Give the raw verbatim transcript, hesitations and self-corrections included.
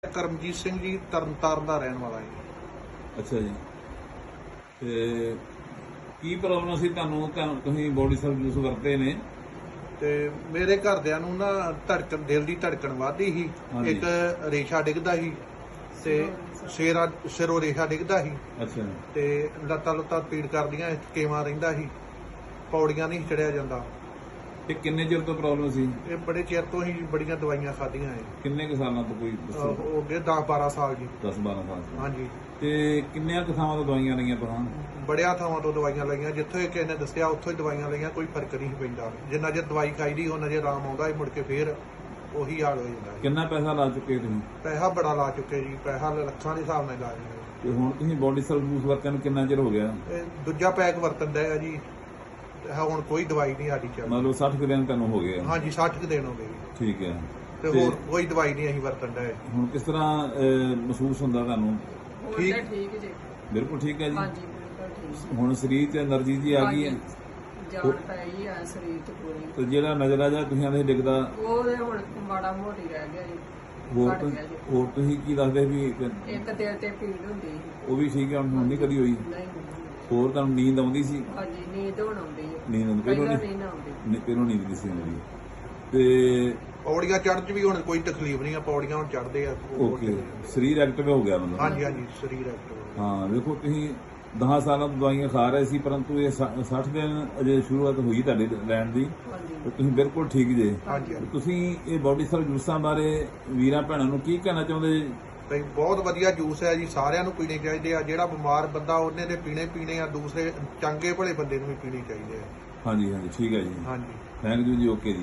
ਕਰਮਜੀਤ ਸਿੰਘ ਜੀ ਤਰਨਤਾਰਨ ਦਾ ਰਹਿਣ ਵਾਲਾ ਹੈ। ਅੱਛਾ ਜੀ। ਤੇ ਕੀ ਪ੍ਰੋਬਲਮ ਸੀ ਤੁਹਾਨੂੰ? ਤੁਹਾਨੂੰ ਤੁਸੀਂ ਬੋਡੀ ਸਰਵ ਯੂਜ਼ ਵਰਤੇ ਨੇ ਤੇ ਮੇਰੇ ਘਰਦਿਆਂ ਨੂੰ ਨਾ ਧੜਕਣ, ਦਿਲ ਦੀ ਧੜਕਣ ਵੱਧਦੀ ਸੀ, ਹਾਂਜੀ। ਇੱਕ ਰੇਸ਼ਾ ਡਿੱਗਦਾ ਸੀ ਤੇ ਸਿਰਾ ਸਿਰੋਂ ਰੇਸ਼ਾ ਡਿੱਗਦਾ ਸੀ ਅੱਛਾ ਤੇ ਲੱਤਾਂ ਲੁੱਤਾਂ ਪੀੜ ਕਰਦੀਆਂ, ਕੇਵਾ ਰਹਿੰਦਾ ਸੀ, ਪੌੜੀਆਂ ਨਹੀਂ ਚੜਿਆ ਜਾਂਦਾ। ਤੇ ਕਿੰਨੇ ਚਿਰ ਤੋਂ ਪ੍ਰੋਬਲਮ ਸੀ? ਇਹ ਬੜੇ ਚਿਰ ਤੋਂ ਹੀ ਬੜੀਆਂ ਦਵਾਈਆਂ ਖਾਧੀਆਂ ਹੈ। ਕਿੰਨੇ ਕੁ ਸਾਲਾਂ ਤੋਂ? ਕੋਈ ਅਹ ਦੱਸੋ। ਹੋ ਗਏ ਦਸ ਬਾਰਾਂ ਸਾਲ ਜੀ। ਦਸ ਬਾਰਾਂ ਸਾਲ ਤੋਂ। ਹਾਂਜੀ, ਤੇ ਕਿੰਨੀਆਂ ਕੁ ਥਾਵਾਂ ਤੋਂ ਦਵਾਈਆਂ ਲਈਆਂ ਤੁਹਾਂ? ਬੜਿਆ ਥਾਵਾਂ ਤੋਂ ਦਵਾਈਆਂ ਲਈਆਂ, ਜਿੱਥੋਂ ਇਹ ਕਿਸੇ ਨੇ ਦੱਸਿਆ ਉੱਥੋਂ ਹੀ ਦਵਾਈਆਂ ਲਈਆਂ, ਕੋਈ ਫਰਕ ਨਹੀਂ ਪੈਂਦਾ। ਜਿੰਨਾ ਚਿਰ ਦਵਾਈ ਖਾਈਦੀ ਉਹਨਾਂ ਚਿਰ ਆਰਾਮ ਆਉਂਦਾ, ਮੁੜ ਕੇ ਫੇਰ ਉਹੀ ਹਾਲ ਹੋ ਜਾਂਦਾ ਹੈ। ਕਿੰਨਾ ਪੈਸਾ ਲਾ ਚੁੱਕੇ ਤੁਸੀਂ? ਪੈਸਾ ਬੜਾ ਲਾ ਚੁੱਕੇ ਜੀ, ਪੈਸਾ ਲੱਖਾਂ ਦੇ ਹਿਸਾਬ ਨਾਲ ਲਾ ਰਹੇ ਤੇ ਹੁਣ ਤੁਸੀਂ ਬੋਡੀ ਸਰਵ ਯੂਜ਼ ਵਰਤਿਆਂ ਨੂੰ ਕਿੰਨਾ ਚਿਰ ਹੋ ਗਿਆ? ਇਹ ਦੂਜਾ ਪੈਕ ਵਰਤਣ ਦਾ ਹੈ ਜੀ। ਤੇ ਹੁਣ ਕੋਈ ਦਵਾਈ ਨਹੀਂ ਸਾਡੀ ਚੱਲ। ਮਤਲਬ ਸੱਠ ਕੁ ਦਿਨ ਤੁਹਾਨੂੰ ਹੋ ਗਏ ਆ? ਹਾਂਜੀ, ਸੱਠ ਕੁ ਦਿਨ ਹੋ ਗਏ ਜੀ। ਠੀਕ ਹੈ। ਤੇ ਤੇ ਹੋਰ ਕੋਈ ਦਵਾਈ ਨਹੀਂ ਅਸੀਂ ਵਰਤਣ ਦਾ। ਹੁਣ ਕਿਸ ਤਰ੍ਹਾਂ ਅਹ, ਮਹਿਸੂਸ ਹੁੰਦਾ ਤੁਹਾਨੂੰ? ਠੀਕ। ਠੀਕ ਠੀਕ ਜੀ। ਬਿਲਕੁਲ ਠੀਕ ਹੈ ਜੀ। ਹਾਂਜੀ ਬਿਲਕੁਲ ਠੀਕ। ਹੁਣ ਸਰੀਰ 'ਚ એનર્ਜੀ ਜੀ ਆ ਗਈ ਹੈ। ਜਾਨ ਪਈ ਆ ਸਰੀਰ ਤੇ ਪੂਰੀ। ਤੇ ਜਿਹੜਾ ਨਜ਼ਰ ਜਾ ਤੁਸੀਂ ਆਂਦੇ ਡਿੱਗਦਾ, ਉਹ ਤੇ ਹੁਣ ਮਾੜਾ ਮੋਟੀ ਰਹਿ ਗਿਆ ਜੀ। ਹੋਰ ਘੱਟ ਗਿਆ ਜੀ। ਹੋਰ ਤੁਸੀਂ ਕੀ ਦੱਸਦੇ ਵੀ ਇੱਕ ਇੱਕ ਦਿਲ ਤੇ ਪੀੜ ਹੁੰਦੀ ਸੀ। ਉਹ ਵੀ ਠੀਕ ਹੈ? ਹੁਣ ਨਹੀਂ ਕਦੀ ਹੋਈ? ਨਹੀਂ ਹੋਰ ਤੁਹਾਨੂੰ ਨੀਂਦ ਆਉਂਦੀ ਸੀ? ਹਾਂਜੀ, ਨੀਂਦ ਹੁਣ ਆਉਂਦੀ ਹੈ। ਨੀਂਦ ਆਉਂਦੀ ਪਹਿਲਾਂ ਪਹਿਲਾਂ ਨਹੀਂ? ਨਹੀਂ ਨਾ ਆਉਂਦੀ। ਨਹੀਂ, ਪਹਿਲਾਂ ਨੀਂਦ ਨਹੀਂ ਸੀ ਆਉਂਦੀ। ਤੇ ਪੌੜੀਆਂ ਚੜ੍ਹਨ 'ਚ ਵੀ ਹੁਣ ਕੋਈ ਤਕਲੀਫ ਨਹੀਂ ਆ, ਪੌੜੀਆਂ ਹੁਣ ਚੜ੍ਹਦੇ ਆ। ਓਕੇ, ਸਰੀਰ ਐਕਟਿਵ ਹੋ ਗਿਆ ਮਤਲਬ? ਹਾਂਜੀ ਹਾਂਜੀ, ਸਰੀਰ ਐਕਟਿਵ। ਹਾਂ, ਵੇਖੋ ਤੁਸੀਂ ਦਸ ਸਾਲਾਂ ਤੋਂ ਦਵਾਈਆਂ ਖਾ ਰਹੇ ਸੀ, ਪਰੰਤੂ ਇਹ ਸੱਠ ਦਿਨ ਅਜੇ ਸ਼ੁਰੂਆਤ ਹੋਈ ਤੁਹਾਡੇ ਲੈਣ ਦੀ, ਹਾਂਜੀ ਤੇ ਤੁਸੀਂ ਬਿਲਕੁਲ ਠੀਕ ਜੇ। ਹਾਂਜੀ ਤੇ ਹਾਂਜੀ, ਤੁਸੀਂ ਇਹ ਬੋਡੀ ਸਰਵ ਜੂਸਾਂ ਬਾਰੇ ਵੀਰਾਂ ਭੈਣਾਂ ਨੂੰ ਕੀ ਕਹਿਣਾ ਚਾਹੁੰਦੇ ਜੀ? ਤੇ ਬਹੁਤ ਵਧੀਆ ਜੂਸ ਹੈ ਜੀ, ਸਾਰਿਆਂ ਨੂੰ ਪੀਣੇ ਚਾਹੀਦੇ ਆ। ਜਿਹੜਾ ਬਿਮਾਰ ਬੰਦਾ ਉਹਨੇ ਦੇ ਪੀਣੇ ਪੀਣੇ ਆ, ਦੂਸਰੇ ਚੰਗੇ ਭਲੇ ਬੰਦੇ ਨੂੰ ਵੀ ਪੀਣੇ ਚਾਹੀਦੇ ਆ। ਹਾਂਜੀ ਹਾਂਜੀ, ਠੀਕ ਹੈ ਜੀ। ਹਾਂਜੀ। ਥੈਂਕ ਯੂ ਜੀ। ਓਕੇ ਜੀ।